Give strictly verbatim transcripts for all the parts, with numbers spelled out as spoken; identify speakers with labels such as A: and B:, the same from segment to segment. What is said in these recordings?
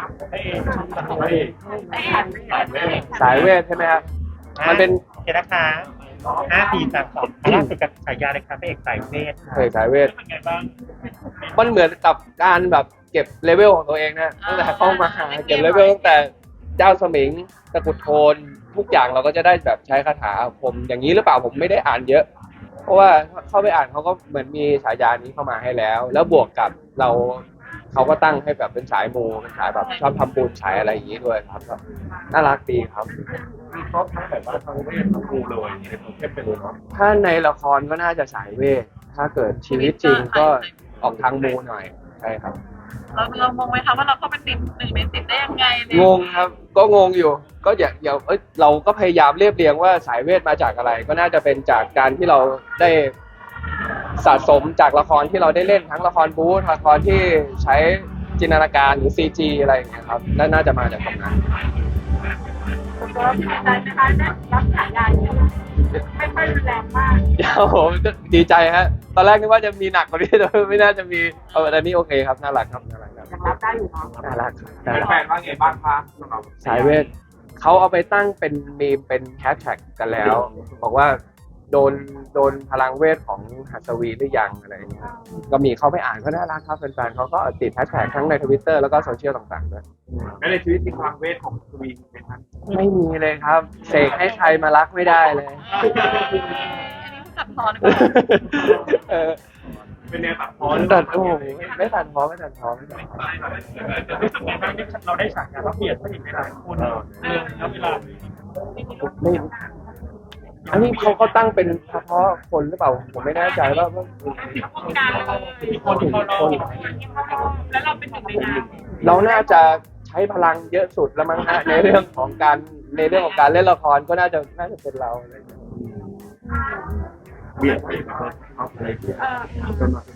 A: ให้ให้
B: สายเวทใช่ไหมครับมันเป็น
A: เจ้านะคะห้าปีสามสองล่าสุดกับฉายาเลยครับพระเอกสายเวท
B: เคยสายเวท
A: เป็นไงบ้าง
B: มันเหมือนกับการแบบเก็บเลเวลของตัวเองนะตั้งแต่เข้ามาเก็บเลเวลตั้งแต่เจ้าสมิงตะกุดโทนทุกอย่างเราก็จะได้แบบใช้คาถาอาคมอย่างนี้หรือเปล่าผมไม่ได้อ่านเยอะเพราะว่าเข้าไปอ่านเขาก็เหมือนมีฉายานี้เข้ามาให้แล้วแล้วบวกกับเราเขาก็ตั้งให้แบบเป็นสายมูเป็นสายแบบชอบทำบุญสายอะไรอย่างนี้ด้วยครับก็น่ารักดีครับ
C: มีครบทั้งแบบว่าทั้งเวททั้งครูเลยในตัวเข้มไปเลยเนาะ
B: ถ้าในละครก็น่าจะสายเวทถ้าเกิดชีวิตจริงก็ออกทางมูหน่อยใช่ครับ
D: เราเรามองไหมคะว่าเราก็เป็นติดหนึ่งในสิบได้ยังไง
B: งงครับก็งงอยู่ก็อย่าอย่าเอ้ยเราก็พยายามเรียบเรียงว่าสายเวทมาจากอะไรก็น่าจะเป็นจากการที่เราได้สะสมจากละครที่เราได้เล่นทั้งละครบู๊ละครที่ใช้จินตนาการหรือ ซี จี อะไรอย่างเงี้ยครับน่าจะมาจากตรงนั้น
D: ก็ดีใจนะคะได้รับฉายานี้ไม่ค่อยรุนแรงมาก
B: เดี๋ยวผมดีใจฮะตอนแรกนึกว่าจะมีหนักกว่านี้แต่ไม่น่าจะมีเออแต่นี่โอเคครับน่ารักครับน่ารักครับ
D: ยังรับได้อยู่เนาะ
B: น่ารักครับ
C: แฟนว่าไงบ้างคะสำหรับ
B: สายเวทเขาเอาไปตั้งเป็นมีมเป็นแฮชแท็กกันแล้วบอกว่าโดนโดนพลังเวทของหัสวีหรือยังอะไรอย่างเงี้ยก็มีเขาไปอ่านก็น่ารักครับแฟนๆเขาก็ติดแฮชแท็กทั้งในทวิตเตอร์แล้วก็โซเชียลต่างๆด้วย
C: แล้วในชีวิตจริงพลังเวทของทวีไหมครับ
B: ไม่มีเลยครับเสกให้ใครมารักไม่ได้เลย
D: อันนี้ตัดพอหรือเปล่า
C: เป็นแนวตัดพอ
B: ตัดโอ้ไม่ตัดพอไม่ตัดพอไม่ตัดพอ
A: รู้สึกไงบ้างที่เราได้ฉายาเราเปลี่ยนไปอีกหลายคนเรื่องเวลา
B: ไม่อันนี้เขาเขาตั้งเป็นเฉพาะคนหรือเปล่าผมไม่แน่ใจว่าว่า
D: คนคนคนแล้วเราเป็นหนึ่งในนั้น
B: เราน่าจะใช้พลังเยอะสุดแล้วมั้งฮะในเรื่องของการในเรื่องของการเล่นละครก็น่าจะน่าจะเป็นเราอะไรอย่างเงี้ย
C: เบียดไปเอาไปจนมา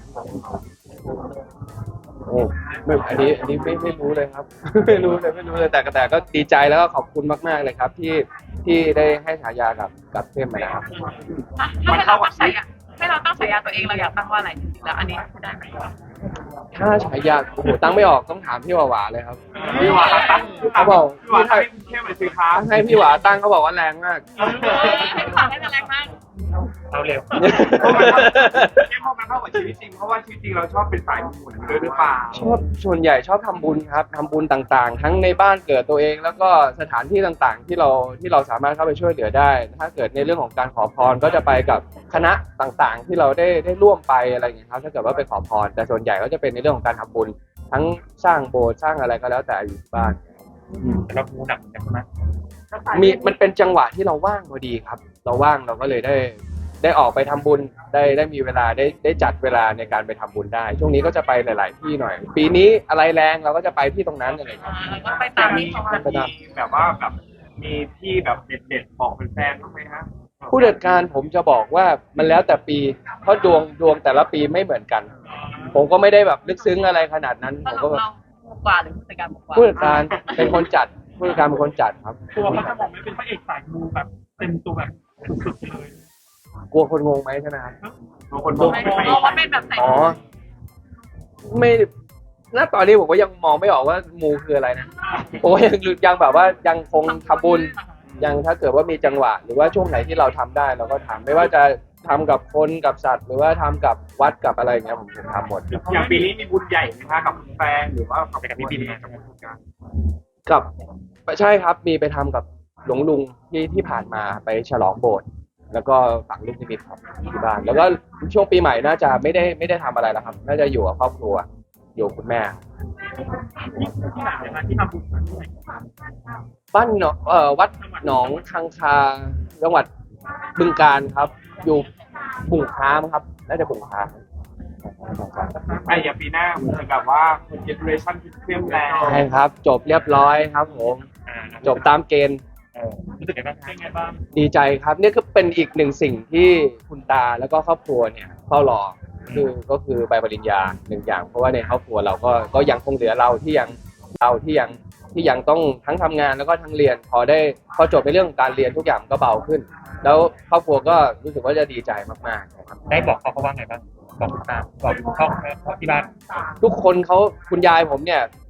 B: โอ้ไม่อันนี้อันนี้ไม่ไม่รู้เลยครับไม่รู้เลยไม่รู้เลยแต่แต่ก็ดีใจแล้วก็ขอบคุณมากๆเลยครับที่ที่ได้ให้ฉายากับกับเข้มมานะครับ
D: ถ้าให้เราตั้งฉายาให้เราตั้งฉายาตัวเองเราอยากตั้งว่าอะไรจริงๆแล้วอันนี้ได้ไหม
B: ถ้าฉายาโอ้โหตั้งไม่ออกต้องถามพี่หวาหวาเลยครับ
C: พี่หวาตั้ง
B: เขาบอก
C: พี่หวาตั้งเข้มเลยสิครับ
B: ให้พี่หวาตั้งเขาบอกว่าแรงมาก
D: ให้พี่หวาให้แรงมาก
A: เราเร็ว
C: เข้มพอมันเข้ากับชีวิตจริงเพราะว่าชีวิตจริงเราชอบเป็นสายบุญด้วยหรือเปล่า
B: ชอบส่วนใหญ่ชอบทำบุญครับทำบุญต่างๆทั้งในบ้านเกิดตัวเองแล้วก็สถานที่ต่างๆที่เราที่เราสามารถเข้าไปช่วยเหลือได้ถ้าเกิดในเรื่องของการขอพรก็จะไปกับคณะต่างๆที่เราได้ได้ร่วมไปอะไรอย่างเงี้ยครับถ้าเกิดว่าไปขอพรแต่ส่วนใหญ่ก็จะเป็นในเรื่องของการทำบุญทั้งสร้างโบสถ์สร้างอะไรก็แล้วแต่อยู่บ้าน
A: เราดูหนักกันไหม
B: มีมันเป็นจังหวะที่เราว่างพอดีครับเราว่างเราก็เลยได้ได้ออกไปทำบุญได้ได้มีเวลาได้ได้จัดเวลาในการไปทำบุญได้ช่วงนี้ก็จะไปหลายๆที่หน่อยปีนี้อะไรแรงเราก็จะไปที่ตรงนั้นอะไรครับ
D: ก็ไปตามที่เขา
C: แบบว่าแบบมีที่แบบเด็ดๆบอกเป็นแฟนบ้างไหมฮะ
B: ผู้จัดการผมจะบอกว่ามันแล้วแต่ปีเพราะดวงดวงแต่ละปีไม่เหมือนกันผมก็ไม่ได้แบบลึกซึ้งอะไรขนาดนั้นผมก็แบบ
D: กว่าหรือผู้จัดการกว่า
B: ผู้จัดการเป็นคนจัดผู้จัดการเป็นคนจัดครับ
A: ตัวเขาจะบอกไม่เป็นพระเอกสายมูแบบเต็มตัวแบบสุดๆเลย
B: กลัวคนงงไหมใช่ไหมครับ
C: กลัวคนงง
D: ว่าเป็นแบบไหน
B: อ๋อไม่ณตอนนี้ผมก็ยังมองไม่ออกว่ามูคืออะไรนะผมก็ยังยังแบบว่ายังคงทำบุญยังถ้าเกิดว่ามีจังหวะหรือว่าช่วงไหนที่เราทำได้เราก็ทำไม่ว่าจะทำกับคนกับสัตว์หรือว่าทำกับวัดกับอะไรเงี้ยผมผมทำหมด
C: อย่างปีนี้มีบุญใหญ่ไหมคะกับแฟนหรือว่ากับพี่บินกับผู้การ
B: กับใช่ครับมีไปทำกับหลวงลุงที่ที่ผ่านมาไปฉลองโบสถ์แล้วก็ฝังลูกนิมิตครับที่บ้านแล้วก็ช่วงปีใหม่น่าจะไม่ได้ไม่ได้ทำอะไรแล้วครับน่าจะอยู่กับครอบครัวอยู่คุณแม่บ้านเอ่อวัดหนองคังคาจังหวัดบึงกาฬครับอยู่บุ่งค้ามครับน่าจะบุ่งค้า
C: ไอ้อย่างปีหน้าเหมือนกับว่าเจเนอเรชั่นที่เคลื่อนแล้ว
B: ใช่ครับจบเรียบร้อยครับผมจบตามเกณฑ์
A: รู้สึกไงบ้างเป็นไงบ้าง
B: ดีใจครับนี่ก็เป็นอีกหนึ่งสิ่งที่คุณตาแล้วก็ครอบครัวเนี่ยเฝ้ารอคือก็คือใบปริญญาหนึ่งอย่างเพราะว่าในครอบครัวเราก็ก็ยังคงเหลือเราที่ยังเราที่ยังที่ยังต้องทั้งทำงานแล้วก็ทั้งเรียนพอได้พอจบในเรื่องการเรียนทุกอย่างก็เบาขึ้นแล้วครอบครัวก็รู้สึกว่าจะดีใจมากๆนะครับ
A: ได้บอกเขาเขาว่าไงบ้างบอกตาบอกพ่อที่บ้าน
B: ทุกคนเขาคุณยายผมเนี่ย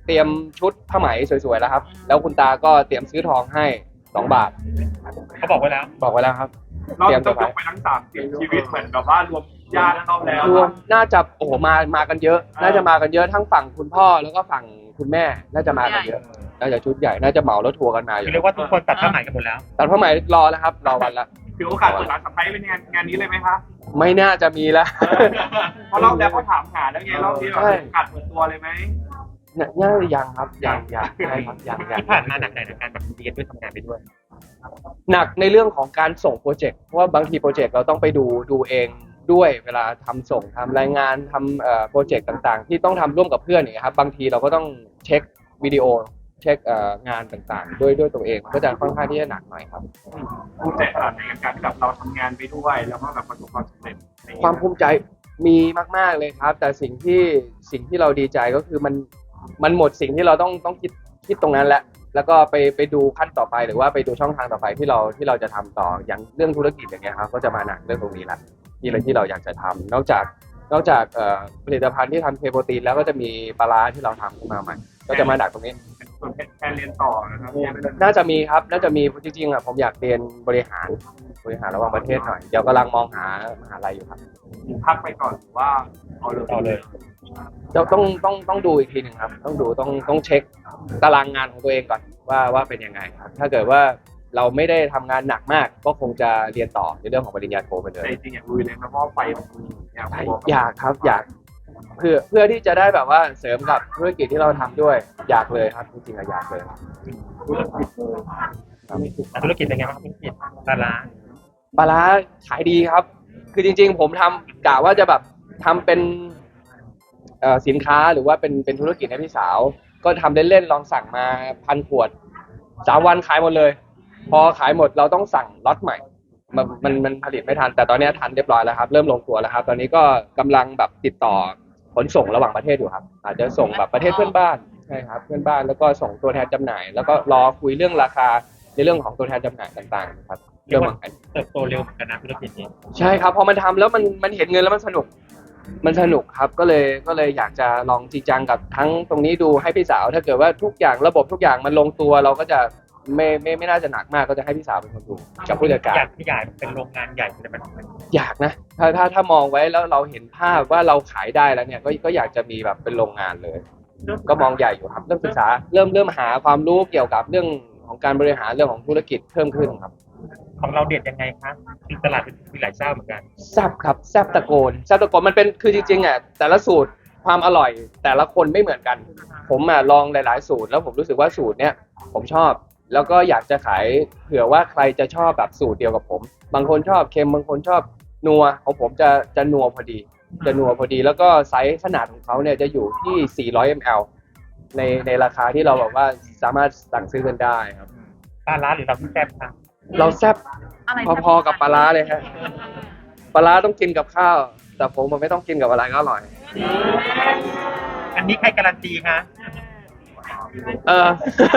B: เตรียมชุดผ้าไหมสวยๆแล้วครับแล้วคุณตาก็เตรียมซื้อทองให้สองบาท
A: เขาบอกไว้แล้ว
B: บอกไว้แล้วครับ
C: เราจะต้องยกไปทั้งสามสิบชีวิตเหมือนกับว่ารวมญาติเข้าแล้ว
B: รวมน่าจะโอ้โหมามากันเยอะ น่าจะมากันเยอะทั้งฝั่งคุณพ่อแล้วก็ฝั่งคุณแม่น่าจะมากันเยอะน่าจะชุดใหญ่น่าจะเหมารถทัวร์กันมาอยู่
A: เรียกว่าทุกคนตัดผ้าไหมกันหมดแล้ว
B: ตัดผ้าไหมรอแล้วครับรอวันละ
C: ถือโอกาสเปิดร้านสะพ้ายเป็นงานงานนี้เลยไหมคะ
B: ไม่น่าจะมีแล้ว
C: เพราะรอบแล้วเขาถามหาแล้วไงรอบนี้แบบ
B: ใช่
C: โอกาสเปิดตัวเลยไหม
B: เนี่ยน่าจะยังครับยังยังใช่ครับยังยัง
A: ที่ผ่านมาหนักหน่อยในการแบบเรียนด้วยทำงานไปด้วย
B: หนักในเรื่องของการส่งโปรเจกต์เพราะว่าบางทีโปรเจกต์เราต้องไปดูดูเองด้วยเวลาทำส่งทำรายงานทำเอ่อโปรเจกต์ต่างๆ ที่ต้องทำร่วมกับเพื่อนอย่างเงี้ยครับบางทีเราก็ต้องเช็ควิดีโอเช็คเอ่องานต่างๆ ด้วยด้วยตัวเองก็จะค่อนข้างที่จะหนักหน่อยครับ
C: ภูมิใจขนาดไหนกับการที่แบบเราทำงานไปด้วยแล้วก็แบบประสบความสำเร็จใน
B: ความภูมิใจมีมากๆเลยครับ แต่สิ่งที่สิ่งที่เราดีใจก็คือมันมันหมดสิ่งที่เราต้องต้องคิดคิดตรงนั้นแล้วแล้วก็ไปไปดูขั้นต่อไปหรือว่าไปดูช่องทางต่อไปที่เราที่เราจะทำต่ออย่างเรื่องธุรกิจอย่างเงี้ยครับก็จะมาหนักเรื่องตรงนี้แหละที่เราที่เราอยากจะทำนอกจากนอกจากเอ่อผลิตภัณฑ์ที่ทำเคโปรตีนแล้วก็จะมีปลาร้าที่เราทำขึ้นมาใหม่ก็จะมาหนักตรงนี้
C: ส่วนแทนเรียนต่อนะครับ
B: น่าจะมีครับน่าจะมีจริงๆอ่ะผมอยากเรียนบริหารบริหารระหว่างประเทศหน่อยเดี๋ยวกำลังมองหามหาลัยอยู่ครับ
C: พักไปก่อนหรือว่าเอาเลย
A: เอาเลย
B: เราต้องต้องต้องดูอีกทีหนึ่งครับ ต้องดูต้องต้องเช็คตารางงานของตัวเองก่อนว่าว่าเป็นยังไงครับ ถ้าเกิดว่าเราไม่ได้ทำงานหนักมากก็คงจะเรียนต่อในเรื่องของปริญญาโทไปเลย
C: แต่จริงๆอยากลุยเลยนะเพราะว่าไฟมันมีอยาก
B: อยากครับอยากเพื่อเพื่อที่จะได้แบบว่าเสริมกับธุรกิจที่เราทำด้วยอยากเลยครับจริงๆอะอยากเลยครับ
A: ธุรกิจเป็นไงบ้างธุรกิจปลาร้า
B: ปลาร้าขายดีครับ คือจริงๆ ผมทำกะว่าจะแบบทำเป็นเอ่อสินค้าหรือว่าเป็นเป็นธุรกิจให้พี่สาว ก็ทำเล่นๆลองสั่งมาพันขวดสามวันขายหมดเลย พอขายหมดเราต้องสั่งล็อตใหม่ มันมันมันผลิตไม่ทัน แต่ตอนนี้ทันเรียบร้อยแล้วครับ เริ่มลงตัวแล้วครับ ตอนนี้ก็กำลังแบบติดต่อขนส่งระหว่างประเทศอยู่ครับ อาจจะส่งแบบประเทศเพื่อนบ้านใช่ครับเพื่อนบ้านแล้วก็ส่งตัวแทนจำหน่าย แล้วก็รอคุยเรื่องราคาในเรื่องของตัวแทนจำหน่ายต่างๆครับ
A: เรีย
B: เรื่อก ง
A: ว่า
B: ของ
A: เติบโตเร็วเหมือนกันนะธุรกิจนี้
B: ใช่ครับพอมันทำแล้วมันมันเห็นเงินแล้วมันสนุก มันสนุกครับก็เลยก็เลยอยากจะลองจริงจังกับทั้งตรงนี้ดูให้พี่สาว ถ้าเกิดว่าทุกอย่างระบบทุกอย่างมันลงตัวเราก็จะไม่ไม่ไม่น่าจะหนักมากก็จะให้พี่สาวเป็นคนดูกับผู้จัดการ
A: อยากขยายเป็นโรงงานใหญ่เลยมัน
B: อยากนะถ้าถ้าถ้ามองไว้แล้วเราเห็นภาพว่าเราขายได้แล้วเนี่ยก็ก็อยากจะมีแบบเป็นโรงงานเลย ก็มองใหญ่อยู่ครับเริ่มศึกษาเริ่มเริ่มหาความรู้เกี่ยวกับเรื่องของการบริหารเรื่องของธุรกิจเพิ่มขึ้นครับ
A: ของเราเด็ดยังไงคะมีตลาดมีหลายเจ้าเหมือนกัน
B: แซ่บครับแซ่บตะโกนแซ่บตะโกนมันเป็นคือจริงๆอ่ะแต่ละสูตรความอร่อยแต่ละคนไม่เหมือนกัน ผมอ่ะลองหลายๆสูตรแล้วผมรู้สึกว่าสูตรเนี้ยผมชอบ แล้วก็อยากจะขายเผื่อว่าใครจะชอบแบบสูตรเดียวกับผม บางคนชอบเค็มบางคนชอบนัวของผมจะจะนัวพอดี จะนัวพอดีแล้วก็ไซส์ขนาดของเขาเนี่ยจะอยู่ที่สี่ร้อยมิลลิลิตร ในในราคาที่เราแบบว่าสามารถสั่งซื้อกันได้ครับ
A: ปลาร้าหรือเราที่แซ่บคะ
B: เราแซ่บ
D: อะไร
B: พอๆกับปลาร้าเลยฮะปลาร้าต้องกินกับข้าว แต่ผมมันไม่ต้องกินกับอะไรก็อร่อย
A: อันนี้ใครการันตีคะ
B: เออ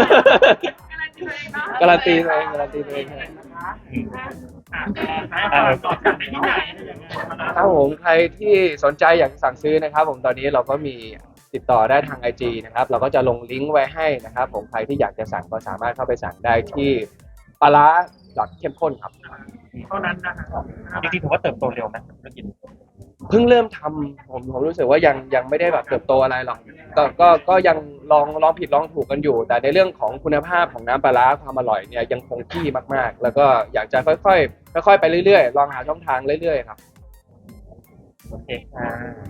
D: การันตีเลยเนาะ
B: การันตีตัวเองการันตีตัวเองครับ
A: เออ
B: ถ้าผมใครที่สนใจอยากสั่งซื้อนะครับ ผมตอนนี้เราก็มีติดต่อได้ทาง ไอ จี นะครับ เราก็จะลงลิงก์ไว้ให้นะครับ ผมใครที่อยากจะสั่งก็สามารถเข้าไปสั่งได้ที่ปลาร้าดอทเข้มข้นครับ
A: เท่านั้นนะครับจริงๆผมว่าเติบโตเร็วนะธุรกิจ
B: เพิ่งเริ่มทำผมผมรู้สึกว่ายังยังไม่ได้แบบเติบโตอะไรหรอกก็ก็ก็ยังลองลองผิดลองถูกกันอยู่ แต่ในเรื่องของคุณภาพของน้ำปลาร้าความอร่อยเนี่ยยังคงที่มากๆ แล้วก็อยากจะค่อยๆค่อยๆไปเรื่อยๆลองหาช่องทางเรื่อยๆครับ
A: โอเคค่ะ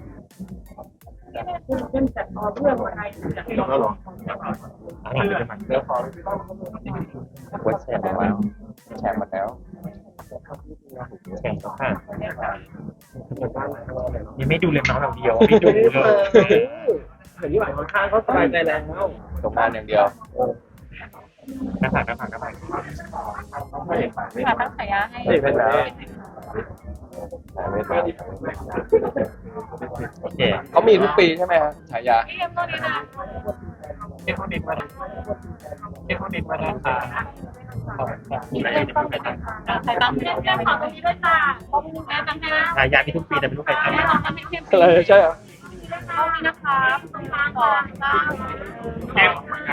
D: เป็นจัดออเรื่องอะไรจากที่เราลอง
A: อันนี้เป็นมันเรื่องของวัดแชร์แล้ว
B: แชร์หมดแล้ว
A: แชร์แล้วค่ะยังไม่ดูเลยน้องเราเดียวไม่ดูเลย
B: เห็นที่หมายข้างเขาสบายใจแล้วตรงงานอย่างเดียว
A: หน้าผากหน้าผากหน้าผาก
D: ค่ะตั้งฉายาให้
B: ไม่เป็นไรไม่เป็นไร
A: โอเค
B: เขามีทุกปีใช่ไหมครับฉายา
D: พี่เอ็มตัวนี้นะ
C: เอ็นคนเด็กมาเอ็นคนเด็กมาเลยค่ะ
D: พี่เอ็มต้องใส่ตังค์เพี้ยนเพี้ยนขอตรงนี้ด้วยจ้าแม่ตังค์ให้นะ
A: ฉายามีทุกปีแต่ไม่รู้ใครทำ
D: แม่ลองทำให้เข้ม
B: อะไรใช่เหรอ
D: คท่านี้นะครับก่อนเก้า
C: เจ็บ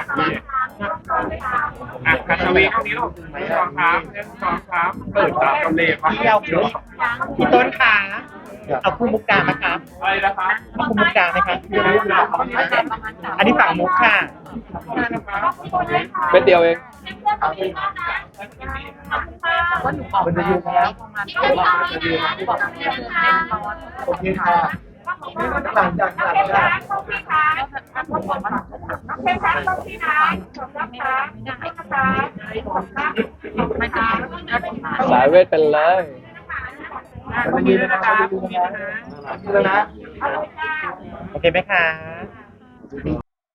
C: อ่ะคาชาวีห้องนี้ลูกหนึ่งสองสามหนึ่งสองสามเปิดตามกำเนิดมา
E: เที่ยวพี่ต้นค่ะเอาคู่มุกกาไหมครับ
C: อะไรนะครับ
E: เอาคู่มุกกาไหมครับอันนี้ฝั่งมุกค่ะ
B: เป็นเดียวเอง
D: ว่าหนูบอกมาแล้วประมาณสองวันจะดีนะบอกเล่นเล่นร้อน
E: โอเคค่ะหลังจากหลังจาก
D: น้องเพชรครับน้องพี่นะขอบคุณค่ะไม่ได้ค่ะไม่ได้
B: สายเวทเป็นเลย
E: วันนี้นะคะวันนี้นะโอเคไหมคะ